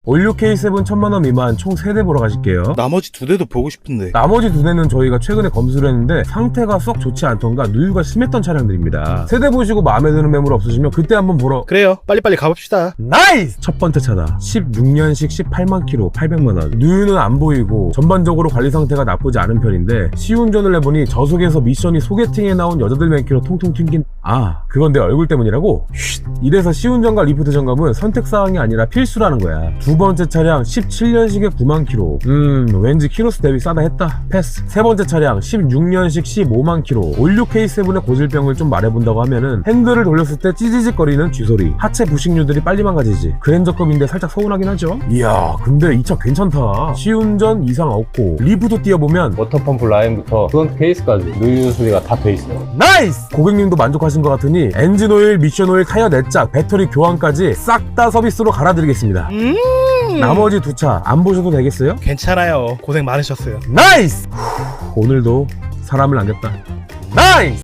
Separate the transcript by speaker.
Speaker 1: 올류 K7 1000만원 미만 총 3대 보러 가실게요.
Speaker 2: 나머지 2대도 보고 싶은데.
Speaker 1: 나머지 2대는 저희가 최근에 검수를 했는데 상태가 썩 좋지 않던가 누유가 심했던 차량들입니다. 세대 보시고 마음에 드는 매물 없으시면 그때 한번 보러.
Speaker 2: 그래요, 빨리빨리 가봅시다.
Speaker 1: 나이스! 첫 번째 차다. 16년식 18만 킬로 800만원. 누유는 안 보이고 전반적으로 관리 상태가 나쁘지 않은 편인데 시운전을 해보니 저속에서 미션이 소개팅에 나온 여자들 맨키로 통통 튕긴. 그건 내 얼굴 때문이라고? 쉿. 이래서 시운전과 리프트 점검은 선택사항이 아니라 필수라는 거야. 두 번째 차량 17년식에 9만 킬로. 왠지 키로수 대비 싸다 했다. 패스. 세 번째 차량 16년식 15만 킬로. 올류 K7의 고질병을 좀 말해본다고 하면은 핸들을 돌렸을 때 찌지직거리는 쥐소리. 하체 부식류들이 빨리 망가지지. 그랜저급인데 살짝 서운하긴 하죠. 이야, 근데 이 차 괜찮다. 시운전 이상 없고 리프트 띄워보면
Speaker 3: 워터펌프 라인부터 프론트 케이스까지 누유 수리가 다 돼 있어요.
Speaker 1: 나이스! 고객님도 만족하신 것 같으니 엔진오일, 미션오일, 타이어 내짝, 배터리 교환까지 싹 다 서비스로 갈아드리겠습니다. 나머지 두 차 안 보셔도 되겠어요?
Speaker 2: 괜찮아요. 고생 많으셨어요.
Speaker 1: 나이스! 오늘도 사람을 남겼다. 나이스!